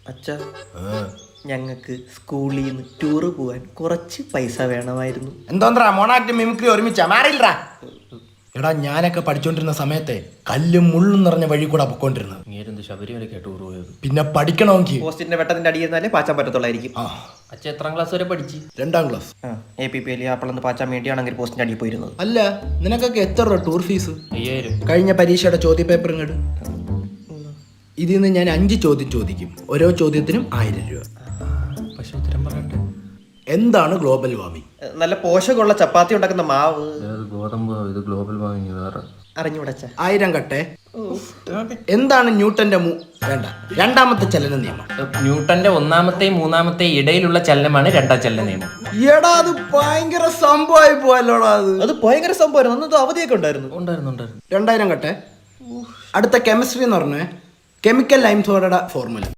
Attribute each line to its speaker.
Speaker 1: അച്ഛാ, ഞങ്ങൾക്ക് സ്കൂളിൽ നിന്ന് ടൂറ് പോകാൻ കുറച്ച് പൈസ വേണമായിരുന്നു.
Speaker 2: എന്തോന്നാ മോണാക്ട് മിമിക്രി ഒരുമിച്ചാ മാറിയില്ലടാ. എടാ ഞാനൊക്കെ പഠിച്ചോണ്ടിരുന്ന സമയത്തെ കല്ലും മുള്ളും നിറഞ്ഞ വഴി കൂടെ പൊക്കോണ്ടിരുന്നത്.
Speaker 3: ശബരിമലയ്ക്ക് ടൂർ പോയത്.
Speaker 2: പിന്നെ പഠിക്കണമെങ്കിൽ
Speaker 1: പോസ്റ്റിന്റെ വെട്ടത്തിന്റെ അടിയിരുന്നാലേ പാച്ചാൻ പറ്റത്തുള്ളായിരിക്കും.
Speaker 3: അച്ഛൻ എത്രാം ക്ലാസ് വരെ പഠിച്ചു?
Speaker 2: 2ാം ക്ലാസ്.
Speaker 1: APPL അപ്പോഴൊന്ന് പാച്ചാൻ വേണ്ടിയാണെങ്കിൽ പോസ്റ്റിന്റെ അടിയിൽ പോയിരുന്നത്.
Speaker 2: അല്ല നിനക്കൊക്കെ എത്ര രൂപ ടൂർ ഫീസ്?
Speaker 3: 5000.
Speaker 2: കഴിഞ്ഞ പരീക്ഷയുടെ ചോദ്യ പേപ്പർ ഇങ്ങോട്ട്. ഇതിൽ നിന്ന് ഞാൻ 5 ചോദ്യം ചോദിക്കും. ഓരോ ചോദ്യത്തിനും 1000 രൂപ.
Speaker 3: പക്ഷെ ഉത്തരം പറയട്ടെ.
Speaker 2: എന്താണ് ഗ്ലോബൽ വാർമിംഗ്?
Speaker 1: നല്ല പോഷകമുള്ള ചപ്പാത്തി ഉണ്ടാക്കുന്ന മാവ്.
Speaker 3: ഗോതമ്പ്. ഇത് ഗ്ലോബൽ വാർമിംഗ് വേറെ.
Speaker 1: അറിഞ്ഞൂടച്ച.
Speaker 2: 1000 കട്ടെ. എന്താണ് ന്യൂട്ടന്റെ വേണ്ട 2ാമത്തെ ചലന നിയമം?
Speaker 3: ന്യൂട്ടന്റെ 1ാമത്തെയും 3ാമത്തെയും ഇടയിലുള്ള ചലനമാണ് 2ാം ചലന നിയമം.
Speaker 2: എടാ അത് ഭയങ്കര സംഭവമായി പോയല്ലോടാ.
Speaker 1: അത് ഭയങ്കര സംഭവമായിരുന്നു. അന്ന് അവധിയൊക്കെ ഉണ്ടായിരുന്നു.
Speaker 2: 2000 കട്ടെ. അടുത്ത കെമിസ്ട്രി എന്ന് പറഞ്ഞേ കെമിക്കൽ ലൈം സോഡയുടെ ഫോർമുല.